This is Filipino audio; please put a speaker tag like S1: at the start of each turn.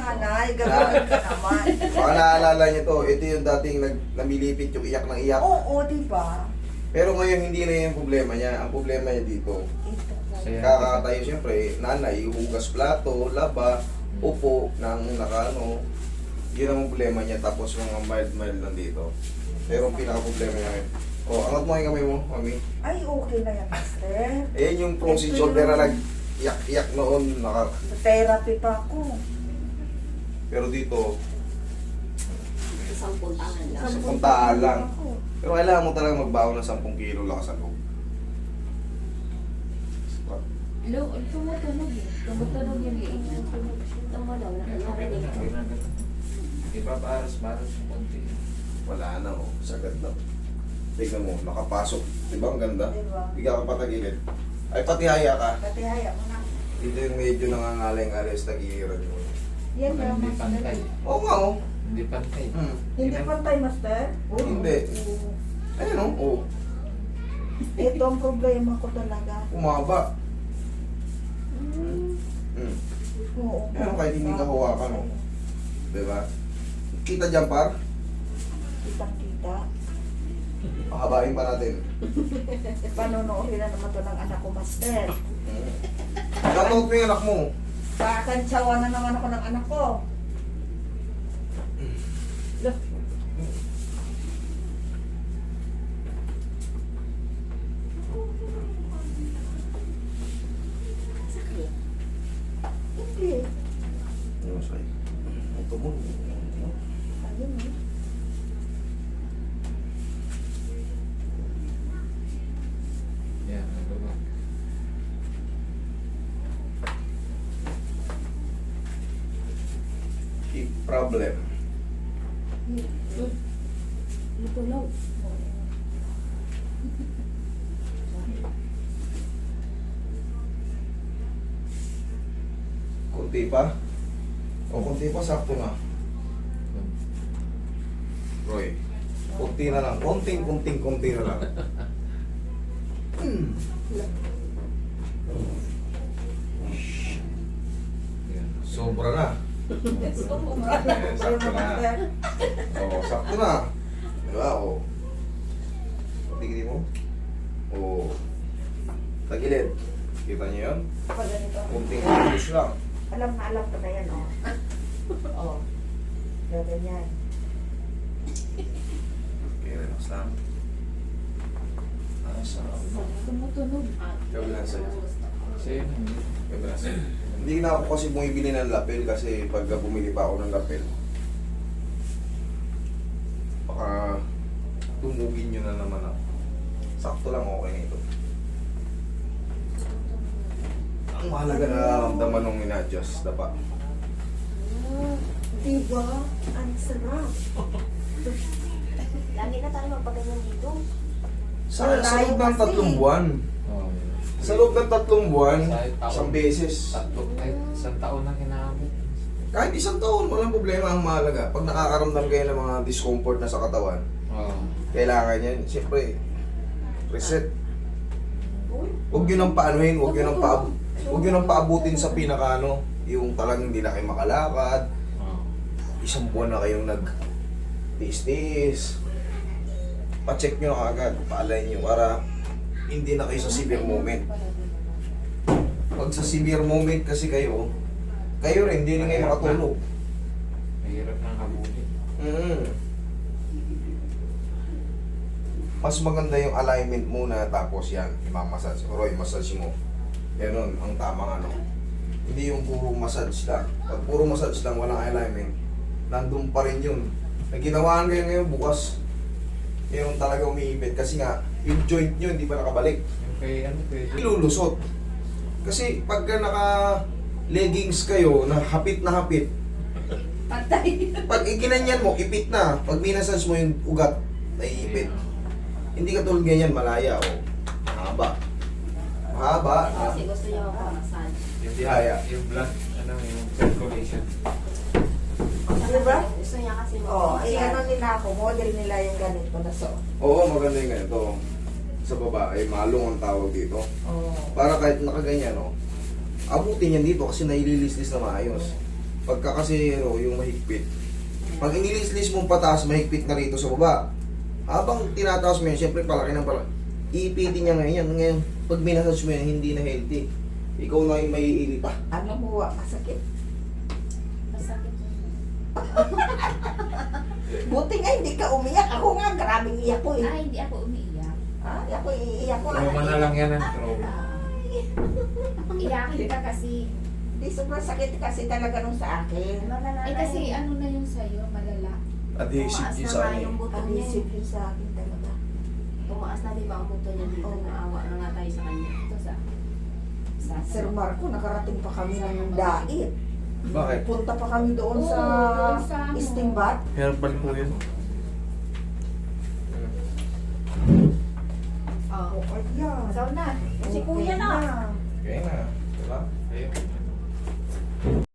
S1: nanay, gagawin ka naman.
S2: Baka naalala niyo to, ito yung dating namilipit yung iyak ng iyak.
S1: Oo, diba?
S2: Pero ngayon hindi na yung problema niya. Ang problema niya dito,
S1: Ito.
S2: kakatayo siyempre, nanay, hugas plato, laba, upo, nang nakano. Yun ang problema niya. Tapos mga mild lang dito. Pero ang pinaka-problema niya ngayon. O, angat mo yung kamay mo, mami.
S1: Ay, okay na yan, master.
S2: Ayan yung frozen
S1: Ito
S2: shoulder na
S1: yung-
S2: nag-iyak noon.
S1: Therapy pa ako.
S2: Pero dito,
S3: Isang puntahan lang.
S2: Sa puntaan lang. Pero kailangan mo talaga magbaon ng 10 kilo lakas ang loob.
S3: Hello, tumutunog eh. Tumutunog yung liit. Tumunog. Nakarinig ko.
S4: Iba paras yung konti.
S2: Wala na, oh. Sagad na. Tignan mo, nakapasok. Diba ang ganda?
S1: Diba?
S2: Bigyan ka patagilid. Ay, pati haya ka.
S1: Pati haya mo na.
S2: Dito yung medyo nangangalay-ngalay sa tagiran mo.
S1: Yan
S4: Baka
S1: na,
S4: hindi
S1: master.
S4: pantay.
S2: Oo nga, oh.
S4: Hindi pantay.
S1: Hindi pantay, master? Oo.
S2: Hindi. Ayun, oh. Oh.
S1: Ito ang problema ko talaga.
S2: Umaba.
S1: Oo.
S2: Ayun, kahit hindi ka hawakan, oh. Diba? Kita dyan, par.
S1: Kitang-kita.
S2: Pahabain pa natin.
S1: Panonoodin na naman to ng anak ko, master.
S2: Shoutout mo yung anak mo.
S1: Kakantsawa na naman ako ng anak ko. Look.
S3: Sakit.
S1: Hindi.
S2: Ano sa'yo? Ito mo.
S1: Ayun eh.
S4: Yan, ano ba?
S2: Hip problem.
S3: Tumutunog.
S2: Kunti pa. O, kunti pa, sakto na. Roy, kunti na lang. Kunti na lang.
S4: Yan.
S2: Sobra na.
S1: Sobra.
S2: Eh, sakto na.
S1: Master.
S2: O, sakto na. Diba? O. Tignan mo. O. Tagilid. Kita niyo yun?
S1: Pag ganito.
S2: Kunting push lang.
S1: Alam ko na yan, oh. Oh. Ganyan.
S2: Okay, relax lang. Ah, sarap.
S3: Tumutunog.
S2: Kabilang sa'yo.
S4: Sa'yo na.
S2: Kabilang sa'yo. Hindi na ako kasi bumibili ng lapel kasi pag bumili pa ako ng lapel, baka tumugin nyo na naman ako. Sakto lang, okay na ito. Ang mahalaga na nararamdaman nung ina-adjust, dapa.
S1: Diba? Ang sarap.
S3: Lagi na tayo magpaganyan dito.
S2: Sa loob ng 3 buwan.
S4: Oh, yan.
S2: Sa loob ng 3 buwan,
S4: Kahit taon.
S2: isang beses.
S4: Kahit isang taon na kinamit.
S2: Kahit isang taon, walang problema. Ang mahalaga, pag nakakaramdam kayo ng mga discomfort na sa katawan,
S4: Oo.
S2: kailangan yan, siyempre, reset. Huwag yun ang paanuhin, huwag yun ang paabutin sa pinakano, yung talagang hindi na kayo makalakad,
S4: Oo.
S2: isang buwan na kayong nag-tiis-tiis. Pa-check nyo na agad, paalay nyo para hindi na kayo sa severe moment. Pag sa severe moment kasi kayo rin, hindi rin kayo makatulog.
S4: Mahirap nang habulin.
S2: Mas maganda yung alignment muna tapos yan, imamassage. Roy, massage mo. Ganon, ang tamang ano. Hindi yung puro massage lang. Pag puro massage lang, walang alignment, nandun pa rin yun. Nagginawaan kayo ngayon bukas. Yung talaga umiipit. Kasi nga, yung joint nyo hindi pa nakabalik.
S4: Yung kay ano, pwede.
S2: Ilulusot. Kasi pagka naka-leggings kayo na hapit,
S3: Patay.
S2: pag iginanyan mo, ipit na. Pag minasage mo yung ugat, naiipit. Hindi ka tulad ganyan, malaya o mahaba. Mahaba.
S3: Kasi gusto niya massage.
S4: Yung
S2: Tihaya.
S4: Yung blood, ano, yung circulation.
S1: Diba?
S3: Gusto niya kasi
S1: Oh, ay ano nila ako, model nila yung ganito na so.
S2: Oo, maganda yung ganito. Sa babae, malong ang tawag dito.
S1: Oh.
S2: Para kahit nakaganyan, no, abutin yan dito kasi naililislis na maayos. Pagka kasi yung mahigpit. Pag inilis-lis mong pataas, mahigpit na rito sa baba. Habang tinataas mo yun, siyempre palaki ng palaki. Iipitin niya ngayon yan. Ngayon, pag minasage mo yan, hindi na healthy. Ikaw na yung maiili pa.
S1: Ano mo, masakit.
S3: Masakit.
S1: Buti nga hindi ka umiyak. Ako nga, grabing iyak ko eh.
S3: Ay, hindi ako umiiyak.
S1: Ah, ako iiyak ko.
S4: Trauma na lang yan ang trauma.
S3: Iyakin ka kasi.
S1: Di sobrang sakit kasi talaga nung sa akin.
S3: Ay, kasi ano na yung sa'yo, malala.
S2: Adhesive
S5: Tumaas
S2: yun
S5: na
S2: sa
S5: nga
S2: akin.
S5: yung buto niya.
S1: Adhesive yun sa akin talaga.
S5: Tumaas na di ba ang buto niya dito?
S1: Oo.
S5: Naawa na nga tayo sa kanya.
S3: Ito sa...
S1: Sir Marco, nakarating pa kami ng dait.
S2: Bakit?
S1: Punta pa kami doon
S3: Oo,
S1: sa
S3: doon sa ano.
S1: Istimbat.
S4: Herbal po yun.
S5: Oh.
S1: Oh, yan.
S3: Saw na.
S5: Si kuya na.
S2: Okay na. Diba?
S4: Ayun.